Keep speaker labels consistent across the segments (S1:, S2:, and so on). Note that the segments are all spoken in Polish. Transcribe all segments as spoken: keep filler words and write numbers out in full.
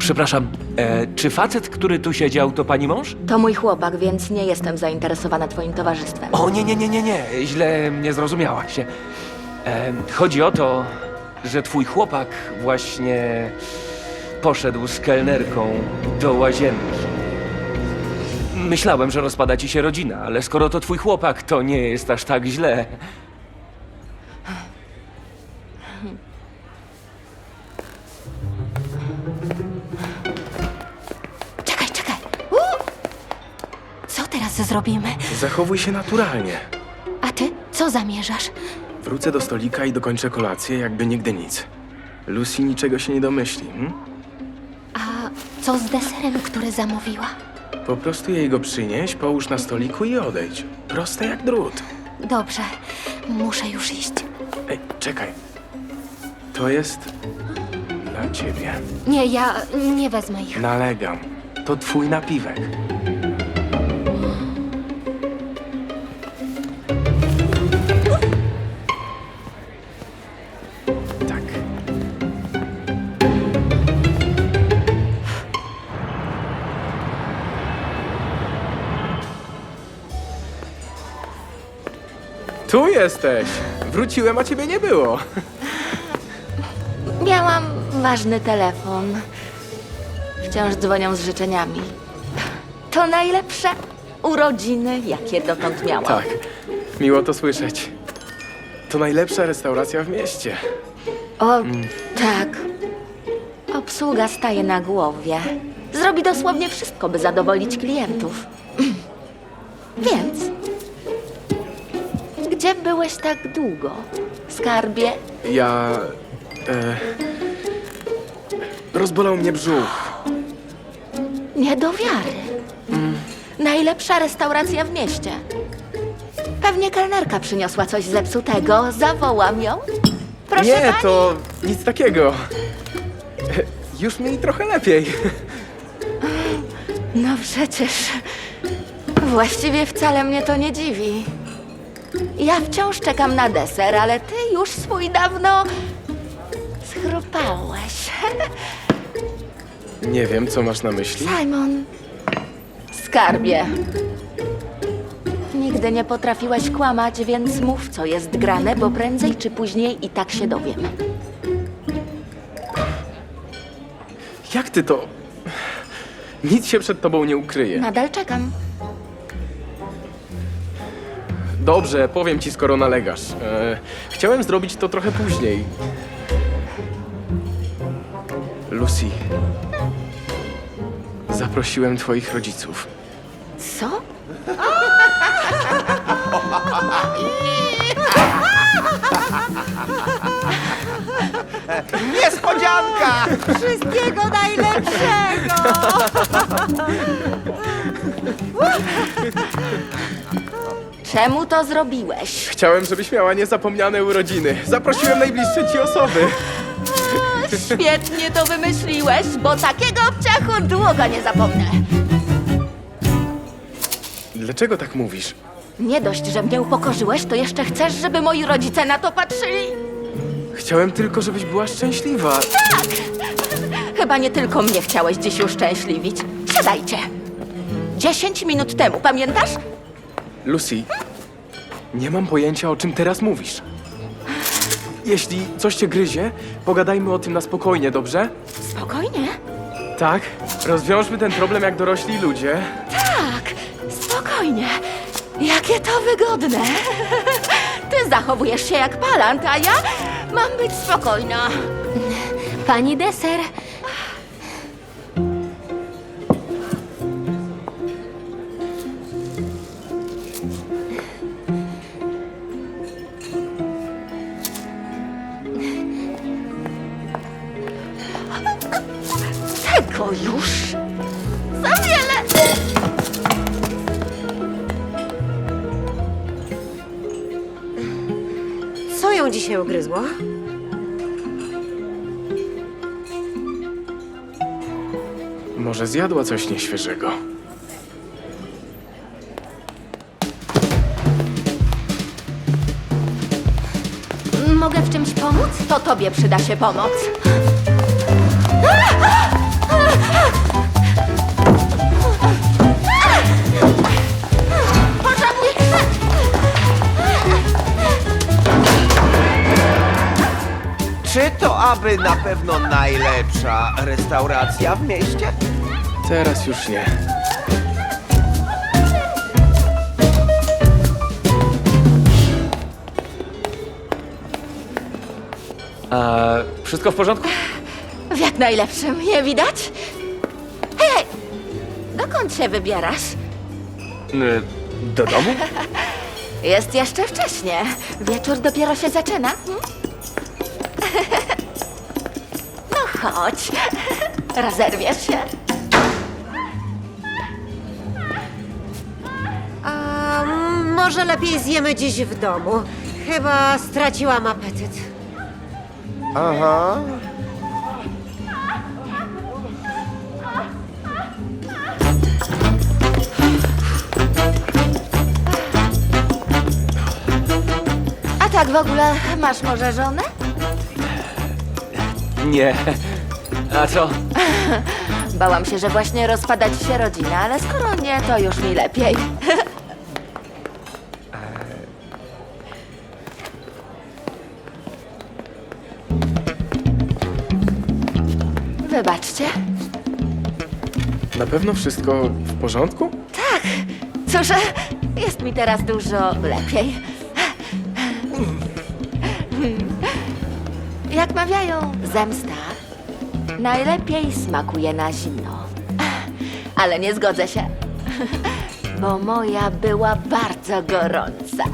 S1: Przepraszam, e, czy facet, który tu siedział, to pani mąż?
S2: To mój chłopak, więc nie jestem zainteresowana twoim towarzystwem.
S1: O, nie, nie, nie, nie, nie. Źle mnie zrozumiałaś. E, chodzi o to, że twój chłopak właśnie poszedł z kelnerką do łazienki. Myślałem, że rozpada ci się rodzina, ale skoro to twój chłopak, to nie jest aż tak źle.
S3: Czekaj, czekaj. U! Co teraz zrobimy?
S4: Zachowuj się naturalnie.
S3: A ty co zamierzasz?
S4: Wrócę do stolika i dokończę kolację, jakby nigdy nic. Lucy niczego się nie domyśli. Hm?
S3: A co z deserem, który zamówiła?
S4: Po prostu jej go przynieś, połóż na stoliku i odejdź. Proste jak drut.
S3: Dobrze, muszę już iść.
S4: Ej, czekaj. To jest dla ciebie.
S3: Nie, ja nie wezmę ich.
S4: Nalegam. To twój napiwek. Tak. Tu jesteś! Wróciłem, a ciebie nie było.
S2: Miałam ważny telefon. Wciąż dzwonią z życzeniami. To najlepsze urodziny, jakie dotąd miałam.
S4: Tak, miło to słyszeć. To najlepsza restauracja w mieście.
S2: O, tak. Obsługa staje na głowie. Zrobi dosłownie wszystko, by zadowolić klientów. Więc... Gdzie byłeś tak długo? Skarbie?
S4: Ja... E, rozbolał mnie brzuch.
S2: Nie do wiary. Najlepsza restauracja w mieście. Pewnie kelnerka przyniosła coś zepsutego. Zawołam ją. Proszę
S4: Nie,
S2: pani.
S4: to nic takiego. E, już mi trochę lepiej.
S2: No przecież... Właściwie wcale mnie to nie dziwi. Ja wciąż czekam na deser, ale ty już swój dawno... schrupałeś.
S4: Nie wiem, co masz na myśli.
S2: Simon, skarbie. Nigdy nie potrafiłeś kłamać, więc mów, co jest grane, bo prędzej czy później i tak się dowiem.
S4: Jak ty to... Nic się przed tobą nie ukryje.
S2: Nadal czekam.
S4: Dobrze, powiem ci, skoro nalegasz. E, chciałem zrobić to trochę później. Lucy. Zaprosiłem twoich rodziców.
S2: Co?
S5: Niespodzianka!
S6: Wszystkiego najlepszego!
S2: Czemu to zrobiłeś?
S4: Chciałem, żebyś miała niezapomniane urodziny. Zaprosiłem najbliższe ci osoby.
S2: Świetnie to wymyśliłeś, bo takiego obciachu długo nie zapomnę.
S4: Dlaczego tak mówisz?
S2: Nie dość, że mnie upokorzyłeś, to jeszcze chcesz, żeby moi rodzice na to patrzyli?
S4: Chciałem tylko, żebyś była szczęśliwa.
S2: Chyba nie tylko mnie chciałeś dziś uszczęśliwić. Siadajcie. Dziesięć minut temu, pamiętasz?
S4: Lucy, nie mam pojęcia, o czym teraz mówisz. Jeśli coś cię gryzie, pogadajmy o tym na spokojnie, dobrze?
S2: Spokojnie.
S4: Tak, rozwiążmy ten problem jak dorośli ludzie.
S2: Tak, spokojnie. Jakie to wygodne. Ty zachowujesz się jak palant, a ja mam być spokojna.
S3: Pani deser.
S2: Tego już za wiele.
S6: Co ją dzisiaj ugryzło?
S4: Może zjadła coś nieświeżego.
S3: Mogę w czymś pomóc?
S2: To tobie przyda się pomoc.
S5: aby na pewno najlepsza restauracja w mieście?
S4: Teraz już nie.
S1: A wszystko w porządku?
S2: W jak najlepszym, nie widać? Hej, hej! Dokąd się wybierasz?
S1: Y, Do domu?
S2: Jest jeszcze wcześnie. Wieczór dopiero się zaczyna. Hmm? No chodź. Rozerwiesz się.
S6: A może lepiej zjemy dziś w domu? Chyba straciłam apetyt.
S5: Aha.
S2: A tak w ogóle, masz może żonę?
S1: Nie. A co?
S2: Bałam się, że właśnie rozpada ci się rodzina, ale skoro nie, to już mi lepiej. Wybaczcie.
S4: Na pewno wszystko w porządku?
S2: Tak, cóż, jest mi teraz dużo lepiej. Jak mawiają, zemsta najlepiej smakuje na zimno. Ale nie zgodzę się, bo moja była bardzo gorąca.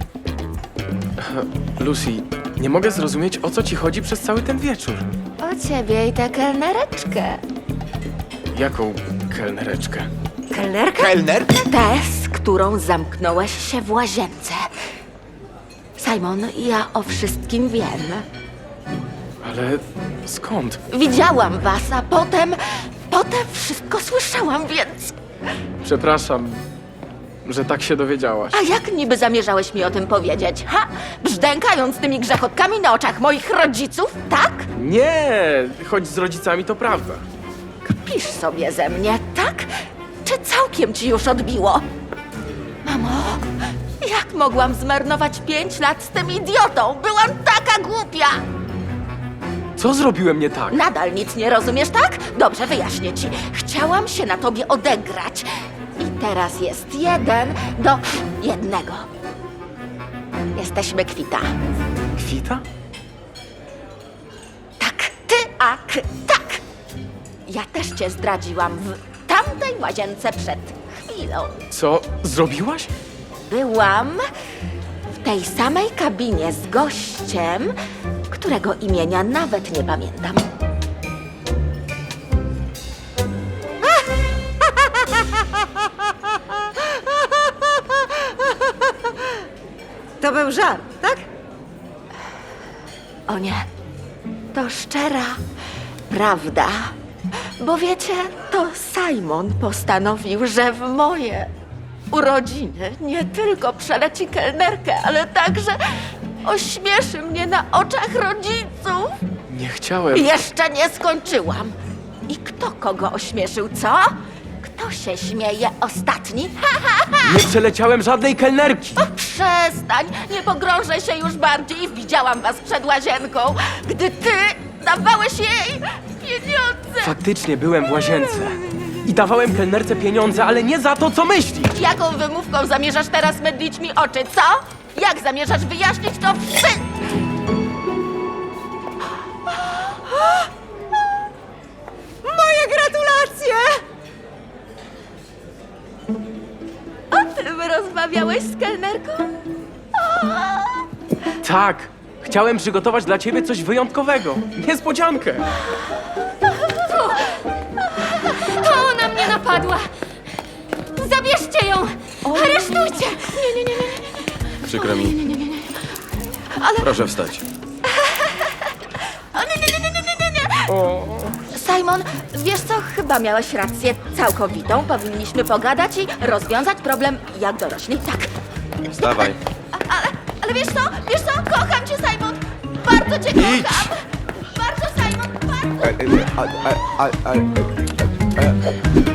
S4: Lucy, nie mogę zrozumieć, o co ci chodzi przez cały ten wieczór.
S2: O ciebie i tę kelnereczkę.
S4: Jaką kelnereczkę?
S6: Kelnerka?
S5: Kelner?
S2: Tę, z którą zamknąłeś się w łazience. Simon, ja o wszystkim wiem.
S4: Ale skąd?
S2: Widziałam was, a potem... Potem wszystko słyszałam, więc...
S4: Przepraszam, że tak się dowiedziałaś.
S2: A jak niby zamierzałeś mi o tym powiedzieć, ha? Brzdękając tymi grzechotkami na oczach moich rodziców, tak?
S4: Nie, choć z rodzicami to prawda.
S2: Kpisz sobie ze mnie, tak? Czy całkiem ci już odbiło? Mamo, jak mogłam zmarnować pięć lat z tym idiotą? Byłam taka głupia!
S4: Co zrobiłem nie tak?
S2: Nadal nic nie rozumiesz, tak? Dobrze, wyjaśnię ci. Chciałam się na tobie odegrać. I teraz jest jeden do jednego. Jesteśmy kwita.
S4: Kwita?
S2: Tak, ty, a k, tak. Ja też cię zdradziłam w tamtej łazience przed chwilą.
S4: Co zrobiłaś?
S2: Byłam w tej samej kabinie z gościem, którego imienia nawet nie pamiętam.
S6: To był żart, tak?
S2: O nie, to szczera prawda. Bo wiecie, to Simon postanowił, że w moje urodziny nie tylko przeleci kelnerkę, ale także ośmieszy mnie na oczach rodziców.
S4: Nie chciałem.
S2: Jeszcze nie skończyłam. I kto kogo ośmieszył, co? Kto się śmieje ostatni? Ha, ha, ha!
S4: Nie przeleciałem żadnej kelnerki.
S2: Przestań, nie pogrążę się już bardziej. Widziałam was przed łazienką, gdy ty dawałeś jej pieniądze.
S4: Faktycznie byłem w łazience. I dawałem kelnerce pieniądze, ale nie za to, co myślisz.
S2: Jaką wymówką zamierzasz teraz mydlić mi oczy, co? Jak zamierzasz wyjaśnić to wszystko?
S6: Moje gratulacje!
S2: O tym rozmawiałeś z kelnerką?
S4: Tak. Chciałem przygotować dla ciebie coś wyjątkowego. Niespodziankę.
S3: To ona mnie napadła! Zabierzcie ją! Aresztujcie! Nie, nie, nie, nie, nie.
S7: Przykro mi. Proszę wstać.
S2: O, nie, nie, nie, nie, nie, nie, nie. Simon, wiesz co, chyba miałeś rację całkowitą. Powinniśmy pogadać i rozwiązać problem jak dorośli. Tak.
S7: Wstawaj.
S2: Ale, ale wiesz co, wiesz co, kocham cię, Simon. Bardzo cię kocham. Bardzo, Simon, bardzo.
S5: A, a, a, a, a, a,